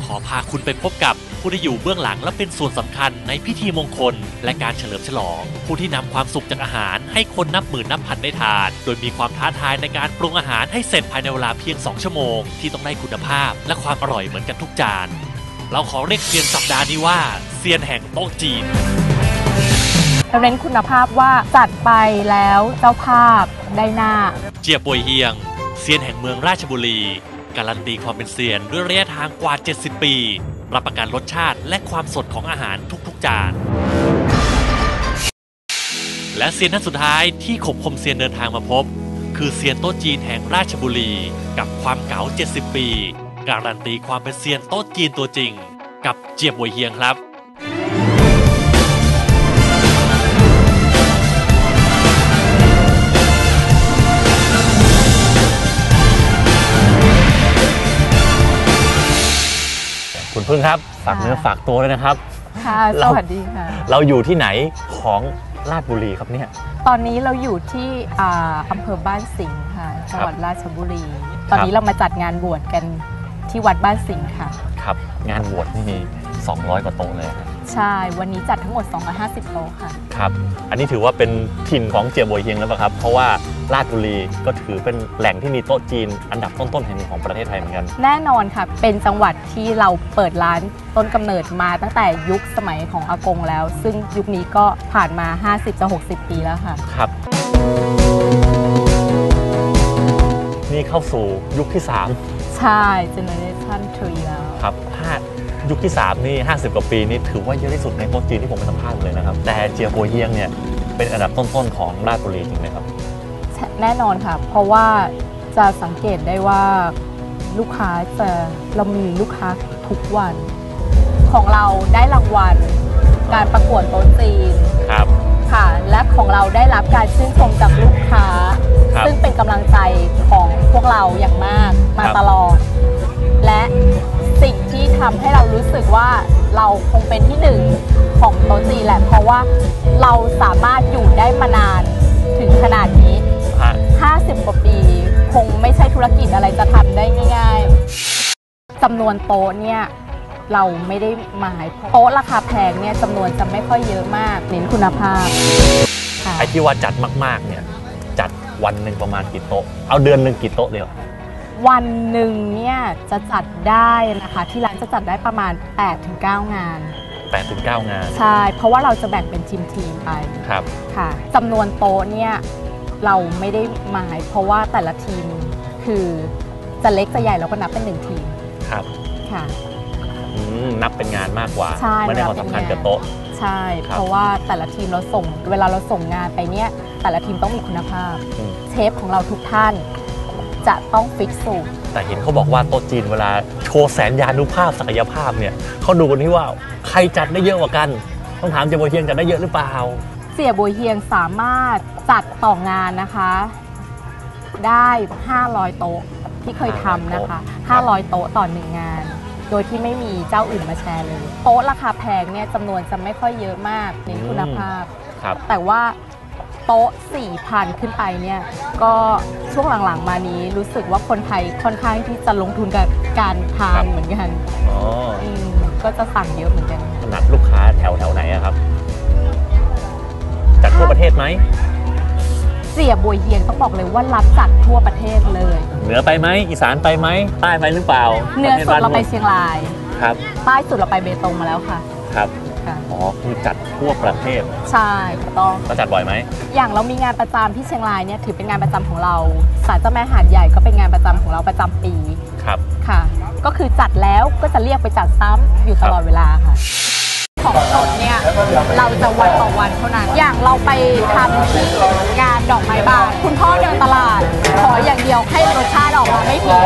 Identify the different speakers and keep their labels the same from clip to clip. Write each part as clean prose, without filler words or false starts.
Speaker 1: ขอพาคุณไปพบกับผู้ที่อยู่เบื้องหลังและเป็นส่วนสำคัญในพิธีมงคลและการเฉลิมฉลองผู้ที่นำความสุขจากอาหารให้คนนับหมื่นนับพันได้ทานโดยมีความท้าทายในการปรุงอาหารให้เสร็จภายในเวลาเพียง2 ชั่วโมงที่ต้องได้คุณภาพและความอร่อยเหมือนกันทุกจานเราขอเรียกเซียนสัปดาห์นี้ว่าเซียนแห่งโต๊ะจีน
Speaker 2: เราเน้นคุณภาพว่าจัดไปแล้วเจ้าภาพได้หน้า
Speaker 1: เจียป่วยเฮียงเซียนแห่งเมืองราชบุรีการันตีความเป็นเซียนด้วยระยะทางกว่า70 ปีรับประกันรสชาติและความสดของอาหารทุกๆจานและเซียนท่านสุดท้ายที่ขบคมเซียนเดินทางมาพบคือเซียนโต๊ะจีนแห่งราชบุรีกับความเก๋า70 ปีการันตีความเป็นเซียนโต๊ะจีนตัวจริงกับเจียป่วยเฮียงครับคุณพึ่งครับฝากเนื้อฝากตัวเลยนะครับ
Speaker 2: ค่ะสวัสดีค่ะ
Speaker 1: เราอยู่ที่ไหนของราชบุรีครับเนี่ย
Speaker 2: ตอนนี้เราอยู่ที่อำเภอบ้านสิงห์ค่ะจังหวัดราชบุรีตอนนี้เรามาจัดงานบวชกันที่วัดบ้านสิงห์ค่ะ
Speaker 1: ครับงานบวชนี่มี200 กว่าโต๊ะเลย
Speaker 2: ใช่วันนี้จัดทั้งหมด250 โต๊ะค่ะ
Speaker 1: ครับอันนี้ถือว่าเป็นถิ่นของเจียบวยเฮียงแล้วป่ะครับเพราะว่าราชบุรีก็ถือเป็นแหล่งที่มีโต๊ะจีนอันดับต้นๆแห่งหนึ่งของประเทศไทยเหมือนกัน
Speaker 2: แน่นอนค่ะเป็นจังหวัดที่เราเปิดร้านต้นกำเนิดมาตั้งแต่ยุคสมัยของอากงแล้วซึ่งยุคนี้ก็ผ่านมา50-60 ปีแล้วค่ะ
Speaker 1: ครับนี่เข้าสู่ยุคที่3
Speaker 2: ใช่เจเนอเรชั่น3แล้ว
Speaker 1: ครับยุคที่3นี่50 กว่าปีนี่ถือว่าเยอะที่สุดในโต๊ะจีนที่ผมไปสัมภาษณ์เลยนะครับแต่เจียป่วยเฮียงเนี่ยเป็นอันดับต้นๆของราชบุรีจริงไหมครับ
Speaker 2: แน่นอนค่ะเพราะว่าจะสังเกตได้ว่าลูกค้าเรามีลูกค้าทุกวันของเราได้รางวัลการประกวดโต๊ะจีน
Speaker 1: ครับ
Speaker 2: ค่ะและของเราได้รับการชื่นชมจากลูกค้าซึ่งเป็นกำลังใจของพวกเราอย่างมากมาตลอดและสิ่งที่ทำให้เรารู้สึกว่าเราคงเป็นที่1ของโต๊ะจีนแหละเพราะว่าเราสามารถอยู่ได้มานานถึงขนาดนี้50 กว่าปีคงไม่ใช่ธุรกิจอะไรจะทำได้ง่ายๆจำนวนโต๊ะเนี่ยเราไม่ได้หมายโต๊ะราคาแพงเนี่ยจำนวนจะไม่ค่อยเยอะมากเน้นคุณภาพ
Speaker 1: ไอ้ที่ว่าจัดมากๆเนี่ยจัดวันหนึ่งประมาณกี่โต๊ะเอาเดือนหนึ่งกี่โต๊ะเดียว
Speaker 2: วันหนึ่งเนี่ยจะจัดได้นะคะที่ร้านจะจัดได้ประมาณ 8-9 งาน
Speaker 1: 8-9 งาน
Speaker 2: ใช่เพราะว่าเราจะแบ่งเป็นทีมไป
Speaker 1: ครับ
Speaker 2: ค่ะจำนวนโต๊ะเนี่ยเราไม่ได้หมายเพราะว่าแต่ละทีมคือจะเล็กจะใหญ่เราก็นับเป็น1 ทีม
Speaker 1: ครับ
Speaker 2: ค่ะ
Speaker 1: นับเป็นงานมากกว่า
Speaker 2: ไม่
Speaker 1: ได้ความสำคัญกับโต๊ะ
Speaker 2: ใช่เพราะว่าแต่ละทีมเวลาเราส่งงานไปเนี่ยแต่ละทีมต้องมีคุณภาพเชฟของเราทุกท่านจะต้องฟิกสูตร
Speaker 1: แต่เห็นเขาบอกว่าโต๊ะจีนเวลาโชว์แสนยานุภาพศักยภาพเนี่ยเขาดูกันที่ว่าใครจัดได้เยอะกว่ากันต้องถามเจียบวยเฮียงจัดได้เยอะหรือเปล่า
Speaker 2: เจียบวยเฮียงสามารถจัดต่องานนะคะได้500 โต๊ะที่เคยทำนะคะ500 โต๊ะต่อ1 งานโดยที่ไม่มีเจ้าอื่นมาแชร์เลยโต๊ะราคาแพงเนี่ยจำนวนจะไม่ค่อยเยอะมากเน้นคุณภาพแต่ว่าโต๊ะ 4,000 ขึ้นไปเนี่ยก็ช่วงหลังๆมานี้รู้สึกว่าคนไทยค่อนข้างที่จะลงทุนกับการทานเหมือนกันก็จะสั่งเยอะเหมือนกัน
Speaker 1: ขนาดลูกค้าแถวไหนครับจัดทั่วประเทศไหม
Speaker 2: เจียบวยเฮียงต้องบอกเลยว่ารับจัดทั่วประเทศเลย
Speaker 1: เหนือไปไหมอีสานไปไหมใต้ไปหรือเปล่า
Speaker 2: เหนือสุดเราไปเชียงราย
Speaker 1: ครับ
Speaker 2: ใต้สุดเราไปเบตงมาแล้วค่ะ
Speaker 1: ครับอ๋อคือจัดทั่วประเทศ
Speaker 2: ใช่ถูกต้อง
Speaker 1: จัดบ่อยไหม
Speaker 2: อย่างเรามีงานประจำที่เชียงรายเนี่ยถือเป็นงานประจำของเราศาลเจ้าแม่หาดใหญ่ก็เป็นงานประจำของเราประจำปี
Speaker 1: ครับ
Speaker 2: ค่ะก็คือจัดแล้วก็จะเรียกไปจัดซ้ำอยู่ตลอดเวลาค่ะของสดเนี่ยเราจะวันต่อวันเท่านั้นอย่างเราไปทำที่งานดอกไม้บานคุณพ่อเดินตลาดขออย่างเดียวให้รสชาติออกมาไม่ผิด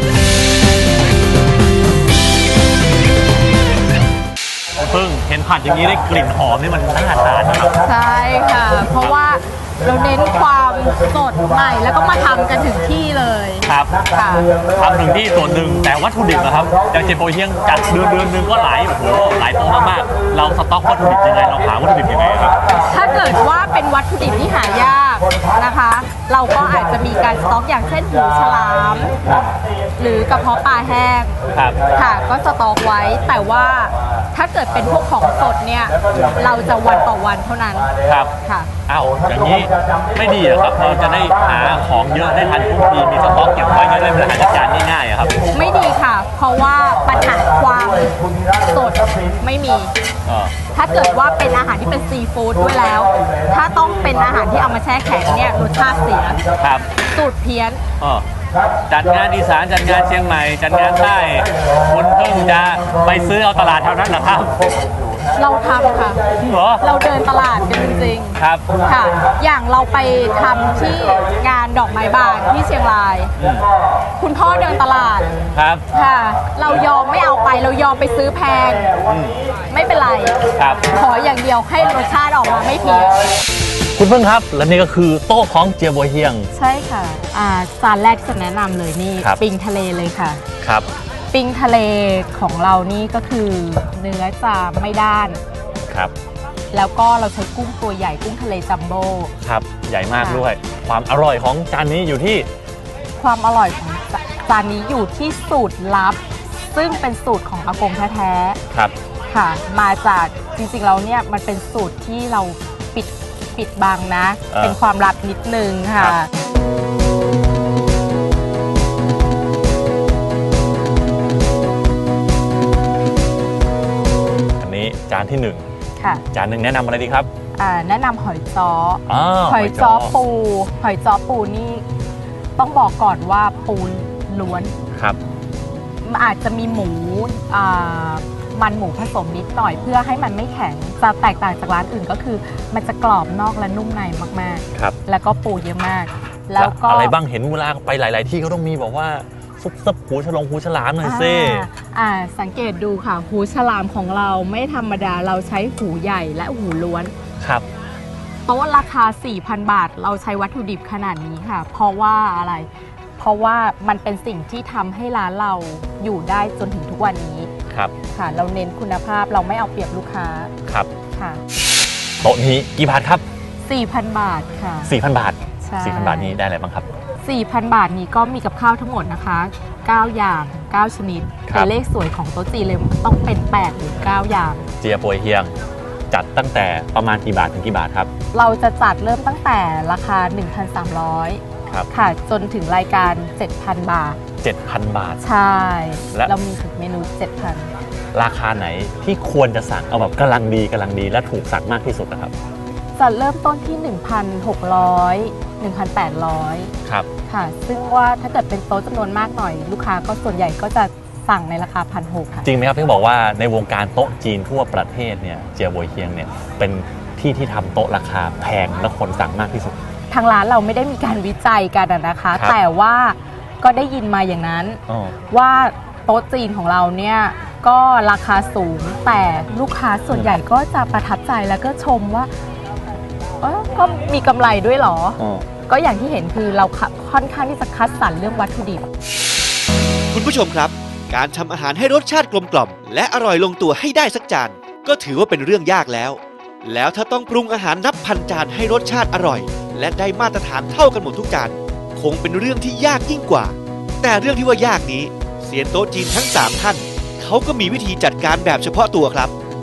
Speaker 1: เพิ่งเห็นผัดอย่างนี้ได้กลิ่นหอมนี่มันน่าทานนะครับ
Speaker 2: ใช่ค่ะเพราะว่าเราเน้นความสดใหม่แล้วก็มาทำกันถึงที่เลย
Speaker 1: ครับทำถึงที่ส่วนหนึ่งแต่วัตถุดิบนะครับอย่างเจียป่วยเฮียงจัดเดือนนึงก็หลายโต๊ะมากๆเราสต็อกวัตถุดิบยังไงเราหาวัตถุดิบยังไงครับ
Speaker 2: ถ้าเกิดว่าเป็นวัตถุดิบที่หายากนะคะเราก็อาจจะมีการสต็อกอย่างเช่นหูฉลามหรือกระเพาะปลาแห้ง
Speaker 1: ครับ
Speaker 2: ค่ะก็สต็อกไว้แต่ว่าถ้าเกิดเป็นพวกของสดเนี่ยเราจะวันต่อวันเท่านั้น
Speaker 1: ครับ
Speaker 2: ค่ะ
Speaker 1: อ้าวอย่างนี้ไม่ดีเหรอครับเราจะได้หาของเยอะได้ทันทุกทีมีสต็อกเก็บไว้จะได้บริหารจัดการง่ายๆอะครับ
Speaker 2: ไม่ดีค่ะ เพราะว่าปัญหาความสดไม่มี ถ้าเกิดว่าเป็นอาหารที่เป็นซีฟู้ดด้วยแล้ว ถ้าต้องเป็นอาหารที่เอามาแช่แข็งเนี่ยรสชาติเสีย
Speaker 1: ครับ
Speaker 2: สูตรเพี้ยน
Speaker 1: จัดงานอีสานจัดงานเชียงใหม่จัดงานใต้คุณเพิ่งจะไปซื้อเอาตลาดเท่านั้นเหรอครับ
Speaker 2: เราทำค่ะ
Speaker 1: เหรอ
Speaker 2: เราเดินตลาดกันจริง
Speaker 1: ครับ
Speaker 2: ๆค่ะ อย่างเราไปทำที่งานดอกไม้บานที่เชียงราย คุณพ่อเดินตลาด
Speaker 1: ครับ
Speaker 2: ค่ะ เรายอมไม่เอาไปเรายอมไปซื้อแพง ไม่เป็นไร
Speaker 1: ครับ
Speaker 2: ขออย่างเดียวให้รสชาติออกมาไม่เพี้ยน
Speaker 1: คุณเพิ่งครับและนี่ก็คือโต๊ะของเจียบัวเฮียง
Speaker 2: ใช่ค่ะจานแรกที่จะแนะนำเลยนี่
Speaker 1: ครับ
Speaker 2: ปิงทะเลเลยค่ะ
Speaker 1: ครับ
Speaker 2: ปิงทะเลของเรานี่ก็คือเนื้อจะไม่ด้าน
Speaker 1: ครับ
Speaker 2: แล้วก็เราใช้กุ้งตัวใหญ่กุ้งทะเลจัมโบ้
Speaker 1: ครับใหญ่มาก
Speaker 2: ค่ะ
Speaker 1: ด้วย ความอร่อยของจานนี้อยู่ที่
Speaker 2: ความอร่อยของจานนี้อยู่ที่สูตรลับ ซึ่งเป็นสูตรของอากงแท้ๆ
Speaker 1: ครับ
Speaker 2: ค่ะ มาจากจริงๆแล้วเนี่ยมันเป็นสูตรที่เราปิดบังนะ เป็นความลับนิดนึงค่ะ
Speaker 1: อันนี้จานที่หนึ่ง
Speaker 2: ค่ะ
Speaker 1: จานหนึ่งแนะนำอะไรดีครับ
Speaker 2: แนะนำหอยจ้อ
Speaker 1: ห
Speaker 2: หอยจ้อปูหอยจ้อปูนี่ต้องบอกก่อนว่าปูล้วน
Speaker 1: ครับ
Speaker 2: อาจจะมีหมูมันหมูผสมนิดหน่อยเพื่อให้มันไม่แข็งจะแตกต่างจากร้านอื่นก็คือ มันจะกรอบนอกและนุ่มในมาก
Speaker 1: ครับ
Speaker 2: ๆ แล้วก็ปูเยอะมาก แล้วก็
Speaker 1: อะไรบ้างเห็นเวลาไปหลาย ๆ ที่เขาต้องมีบอกว่าซุปซับหูฉลามหน่อยซิ
Speaker 2: สังเกตดูค่ะหูฉลามของเราไม่ธรรมดาเราใช้หูใหญ่และหูล้วน
Speaker 1: ครับ
Speaker 2: โต๊ะราคา 4,000 บาท เราใช้วัตถุดิบขนาดนี้ค่ะ เพราะว่าอะไร เพราะว่ามันเป็นสิ่งที่ทำให้ร้านเราอยู่ได้จนถึงทุกวันนี้
Speaker 1: ครับ
Speaker 2: ค่ะ เราเน้นคุณภาพเราไม่เอาเปรียบลูกค้า
Speaker 1: ครับ
Speaker 2: ค่ะ
Speaker 1: โต๊ะนี้กี่บาทครับ
Speaker 2: 4,000 บาทค่ะ
Speaker 1: 4,000 บาท
Speaker 2: ใช่
Speaker 1: 4,000 บาทนี้ได้อะไรบ้างครับ
Speaker 2: 4,000 บาทนี้ก็มีกับข้าวทั้งหมดนะคะ 9 อย่าง 9 ชนิด
Speaker 1: ครับ
Speaker 2: แต่เลขสวยของโต๊ะจีนเลยต้องเป็น 8 หรือ 9 อย่าง
Speaker 1: เจียปัวเฮียง จัดตั้งแต่ประมาณกี่บาทถึงกี่บาทครับ
Speaker 2: เราจะจัดเริ่มตั้งแต่ราคา 1,300
Speaker 1: ครับ
Speaker 2: ค่ะ จนถึงรายการ 7,000 บาท
Speaker 1: 7,000 บาท
Speaker 2: ใช่
Speaker 1: และ
Speaker 2: เรามีถึงเมนู 7,000
Speaker 1: ราคาไหนที่ควรจะสั่งเอาแบบกำลังดีและถูกสั่งมากที่สุดนะครับ
Speaker 2: จะเริ่มต้นที่ 1,600 1,800
Speaker 1: ครับ
Speaker 2: ค่ะ ซึ่งว่าถ้าเกิดเป็นโต๊ะจำนวนมากหน่อย ลูกค้าก็ส่วนใหญ่ก็จะสั่งในราคา 1,600 ค่ะ
Speaker 1: จริงไหมครับที่บอกว่าในวงการโต๊ะจีนทั่วประเทศเนี่ยเจียบัวเฮียงเนี่ยเป็นที่ที่ทำโต๊ะราคาแพงและคนสั่งมากที่สุด
Speaker 2: ทางร้านเราไม่ได้มีการวิจัยกันนะคะ
Speaker 1: ครับ
Speaker 2: แต่ว่าก็ได้ยินมาอย่างนั้น
Speaker 1: อ๋อ
Speaker 2: ว่าโต๊ะจีนของเราเนี่ยก็ราคาสูงแต่ลูกค้าส่วนใหญ่ก็จะประทับใจแล้วก็ชมว่าก็มีกำไรด้วยเหรอ
Speaker 1: อ๋อ
Speaker 2: ก็อย่างที่เห็นคือเราค่อนข้างที่จะคัดสรรเรื่องวัตถุดิบ
Speaker 3: คุณผู้ชมครับ การทำอาหารให้รสชาติกลมกล่อมและอร่อยลงตัวให้ได้สักจานก็ถือว่าเป็นเรื่องยากแล้ว แล้วถ้าต้องปรุงอาหารนับพันจานให้รสชาติอร่อย และได้มาตรฐานเท่ากันหมดทุกจานคงเป็นเรื่องที่ยากยิ่งกว่า แต่เรื่องที่ว่ายากนี้เซียนโต๊ะจีนทั้ง 3 ท่านเขาก็มีวิธีจัดการแบบเฉพาะตัวครับ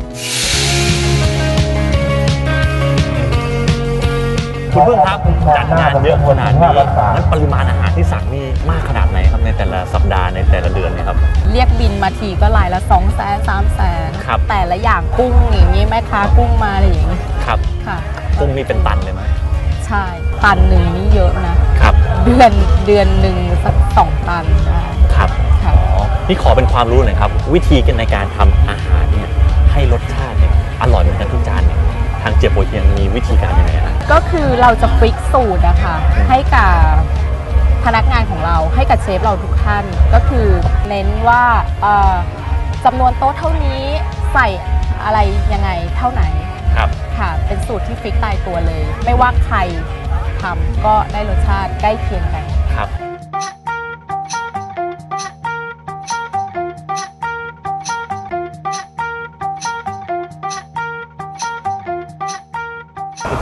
Speaker 1: คุณเพิ่งครับจัดงานเยอะขนาดนี้นั้นปริมาณอาหารที่สั่งนี่มากขนาดไหนครับในแต่ละสัปดาห์ในแต่ละเดือนเนี่ยครับ
Speaker 2: เรียกบินมาทีก็รายละ 200,000 300,000
Speaker 1: ครับ
Speaker 2: แต่ละอย่างกุ้งอย่างนี้แม่ค้ากุ้งมาอะไรอย่างนี้
Speaker 1: ครับ
Speaker 2: ค่ะ
Speaker 1: กุ้งนี่เป็นตันเลยไหม
Speaker 2: ใช่ตันหนึ่งนี่เยอะนะครับ เดือนหนึ่งสัก2 ตันได้
Speaker 1: ครับ
Speaker 2: ค่ะ
Speaker 1: อ๋อนี่ขอเป็นความรู้หน่อยครับ วิธีในการทำอาหารเนี่ยให้รสชาติเนี่ยอร่อยเหมือนกันทุกจานเนี่ยทางเจียบัวเฮียงมีวิธีการยังไงครับ
Speaker 2: ก็คือเราจะฟิกสูตรนะคะให้กับพนักงานของเราให้กับเชฟเราทุกท่าน ก็คือเน้นว่าจำนวนโต๊ะเท่านี้ใส่อะไรยังไงเท่าไหน
Speaker 1: ครับ
Speaker 2: ค่ะ เป็นสูตรที่ฟิกตายตัวเลย ไม่ว่าใครทำก็ได้รสชาติใกล้เคียงกัน
Speaker 1: ครับ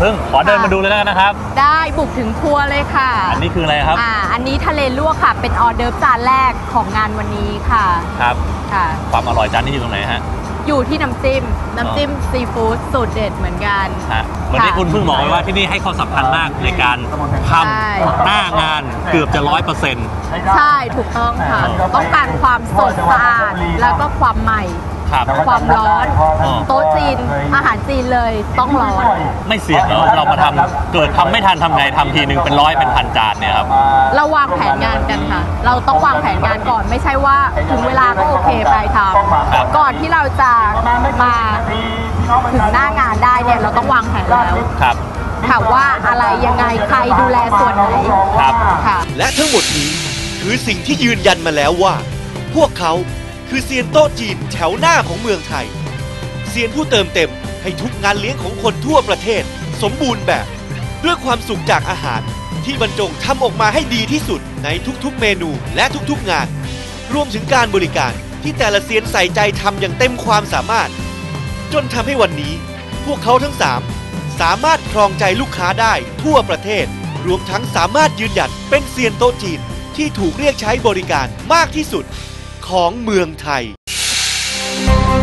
Speaker 1: พึ่งขอเดินมาดูเลยแล้วกันนะครับ
Speaker 2: ได้บุกถึงครัวเลยค่ะ
Speaker 1: อันนี้คืออะไรครับ
Speaker 2: อันนี้ทะเลลวกค่ะเป็นออเดิร์ฟจานแรกของงานวันนี้ค่ะ
Speaker 1: ครับ
Speaker 2: ค่ะ
Speaker 1: ความอร่อยจานนี้อยู่ตรงไหนฮะ
Speaker 2: อยู่ที่น้ำจิ้มซีฟู้ดสูตรเด็ดเหมือนกัน
Speaker 1: เหมือนที่คุณเพิ่งบอกไว้ว่าที่นี่ให้ความสำคัญมากในการทำหน้างานเกือบจะ100%
Speaker 2: ใช่ถูกต้องค่ะต้องการความสดสะอาดแล้วก็ความใหม่ความร้อนโต๊ะจีนอาหารจีนเลยต้องร้อน
Speaker 1: ไม่เสี่ยงเหรอเรามาทำเกิดทำไม่ทันทำไงทำทีนึงเป็น100เป็นพันจานเนี่ยครับ
Speaker 2: เราวางแผนงานกันค่ะเราต้องวางแผนงานก่อนไม่ใช่ว่าถึงเวลาก็โอเคไปทำก่อนที่เราจะมาถึงหน้างานได้เนี่ยเราต้องวางแผนแล้วค่ะว่าอะไรยังไงใครดูแลส่วนไหน
Speaker 3: ค่ะและทั้งหมดนี้คือสิ่งที่ยืนยันมาแล้วว่าพวกเขาคือเซียนโต๊ะจีนแถวหน้าของเมืองไทยเซียนผู้เติมเต็มให้ทุกงานเลี้ยงของคนทั่วประเทศสมบูรณ์แบบด้วยความสุขจากอาหารที่บรรจงทำออกมาให้ดีที่สุดในทุกๆเมนูและทุกๆงานรวมถึงการบริการที่แต่ละเซียนใส่ใจทำอย่างเต็มความสามารถจนทำให้วันนี้พวกเขาทั้ง3สามารถครองใจลูกค้าได้ทั่วประเทศรวมทั้งสามารถยืนหยัดเป็นเซียนโต๊ะจีนที่ถูกเรียกใช้บริการมากที่สุดของเมืองไทย